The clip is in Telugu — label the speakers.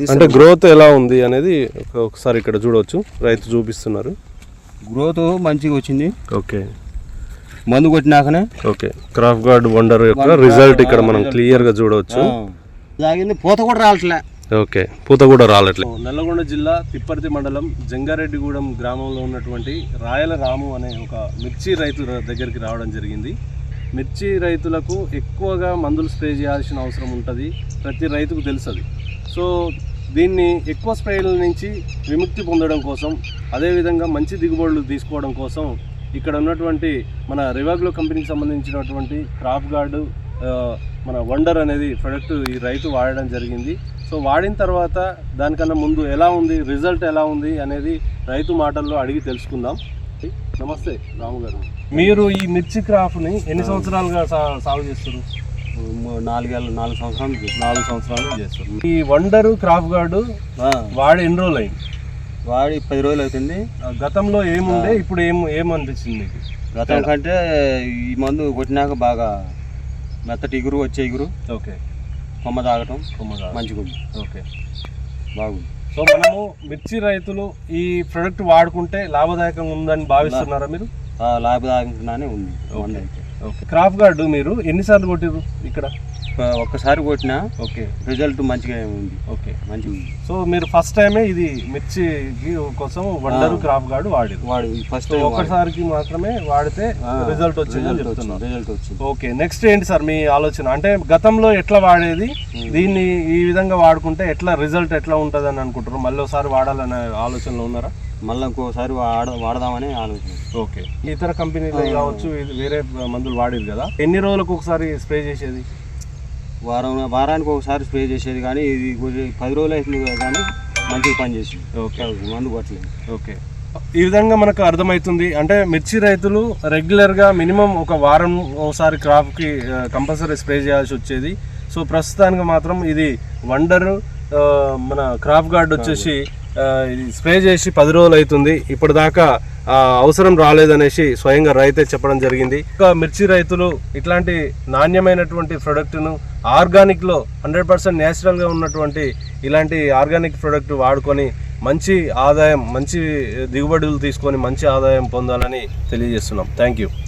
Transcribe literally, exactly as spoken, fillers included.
Speaker 1: అంటే గ్రోత్ ఎలా ఉంది అనేది ఒకసారి ఇక్కడ చూడవచ్చు, రైతు చూపిస్తున్నారు.
Speaker 2: గ్రోత్ మంచిగా వచ్చింది.
Speaker 1: ఓకే,
Speaker 2: మందు కొట్టినాకనే.
Speaker 1: ఓకే, క్రాఫ్ట్ గార్డ్ వండర్ యొక్క రిజల్ట్ ఇక్కడ మనం క్లియర్ గా చూడవచ్చు.
Speaker 2: తాగింది, పూత కూడా రావట్లే.
Speaker 1: ఓకే, పూత కూడా రాలట్లే. నల్లగొండ జిల్లా తిప్పర్తి మండలం జంగారెడ్డిగూడెం గ్రామంలో ఉన్నటువంటి రాయల రాము అనే ఒక మిర్చి రైతు దగ్గరికి రావడం జరిగింది. మిర్చి రైతులకు ఎక్కువగా మందులు స్ప్రే చేయాల్సిన అవసరం ఉంటుంది, ప్రతి రైతుకు తెలుసు. సో దీన్ని ఎక్కువ స్ప్రేల నుంచి విముక్తి పొందడం కోసం, అదేవిధంగా మంచి దిగుబడులు తీసుకోవడం కోసం ఇక్కడ ఉన్నటువంటి మన రివాగ్లో కంపెనీకి సంబంధించినటువంటి క్రాప్ గార్డు మన వండర్ అనేది ప్రొడక్ట్ ఈ రైతు వాడడం జరిగింది. సో వాడిన తర్వాత దానికన్నా ముందు ఎలా ఉంది, రిజల్ట్ ఎలా ఉంది అనేది రైతు మాటల్లో అడిగి తెలుసుకుందాం. నమస్తే రాము గారు, మీరు ఈ మిర్చి క్రాప్ని ఎన్ని సంవత్సరాలుగా సాగు చేస్తారు?
Speaker 2: నాలుగేళ్ళు నాలుగు సంవత్సరాలు
Speaker 1: నాలుగు సంవత్సరాలు చేస్తారు. ఈ వండరు క్రాప్ గార్డు వాడి ఎన్ని రోజులు అయింది?
Speaker 2: వాడి పది రోజులు అవుతుంది.
Speaker 1: గతంలో ఏముండే, ఇప్పుడు ఏం ఏమనిపించింది మీకు?
Speaker 2: గతం కంటే ఈ మందు కొట్టినాక బాగా మెత్తటి ఇగురు వచ్చే ఇగురు.
Speaker 1: ఓకే,
Speaker 2: కొమ్మ తాగటం
Speaker 1: కొమ్మ
Speaker 2: మంచిగా ఉంది.
Speaker 1: ఓకే,
Speaker 2: బాగుంది.
Speaker 1: సో మనము మిర్చి రైతులు ఈ ప్రొడక్ట్ వాడుకుంటే లాభదాయకంగా ఉందని భావిస్తున్నారా మీరు?
Speaker 2: లాభదాయకంగానే ఉంది.
Speaker 1: ఓకే, క్రాప్ గార్డు మీరు ఎన్నిసార్లు కొట్టిరు ఇక్కడ?
Speaker 2: ఒక్కసారి కొట్టినా.
Speaker 1: ఓకే,
Speaker 2: రిజల్ట్ మంచిగా ఉంది.
Speaker 1: ఓకే,
Speaker 2: మంచిగా ఉంది.
Speaker 1: సో మీరు ఫస్ట్ టైమే ఇది మిర్చి కోసం వండరు క్రాప్ గార్డు వాడి
Speaker 2: వాడు ఫస్ట్
Speaker 1: ఒక్కసారికి మాత్రమే వాడితే రిజల్ట్ వచ్చింది
Speaker 2: రిజల్ట్ వచ్చింది.
Speaker 1: ఓకే, నెక్స్ట్ ఏంటి సార్ మీ ఆలోచన? అంటే గతంలో ఎట్లా వాడేది, దీన్ని ఈ విధంగా వాడుకుంటే ఎట్లా రిజల్ట్ ఎట్లా ఉంటుంది అని అనుకుంటారు? మళ్ళీ ఒకసారి వాడాలనే ఆలోచనలో ఉన్నారా?
Speaker 2: మళ్ళీ ఇంకోసారి వాడ వాడదామని ఆలోచన.
Speaker 1: ఓకే, ఇతర కంపెనీలు కావచ్చు, వేరే మందులు వాడేది కదా, ఎన్ని రోజులకు ఒకసారి స్ప్రే చేసేది?
Speaker 2: వారం వారానికి ఒకసారి స్ప్రే చేసేది, కానీ ఇది పది రోజులు అవుతుంది కానీ మంచిగా పని చేసింది.
Speaker 1: ఓకే,
Speaker 2: మందు కొట్టలేదు.
Speaker 1: ఓకే, ఈ విధంగా మనకు అర్థమవుతుంది. అంటే మిర్చి రైతులు రెగ్యులర్గా మినిమం ఒక వారం ఒకసారి క్రాప్కి కంపల్సరీ స్ప్రే చేయాల్సి వచ్చేది. సో ప్రస్తుతానికి మాత్రం ఇది వండర్ మన క్రాప్ గార్డ్ వచ్చేసి స్ప్రే చేసి పది రోజులు అవుతుంది, ఇప్పటిదాకా అవసరం రాలేదనేసి స్వయంగా రైతే చెప్పడం జరిగింది. ఇంకా మిర్చి రైతులు ఇట్లాంటి నాణ్యమైనటువంటి ప్రోడక్ట్ను ఆర్గానిక్లో హండ్రెడ్ పర్సెంట్ న్యాచురల్గా ఉన్నటువంటి ఇలాంటి ఆర్గానిక్ ప్రోడక్ట్ వాడుకొని మంచి ఆదాయం, మంచి దిగుబడులు తీసుకొని మంచి ఆదాయం పొందాలని తెలియజేస్తున్నాం. Thank you.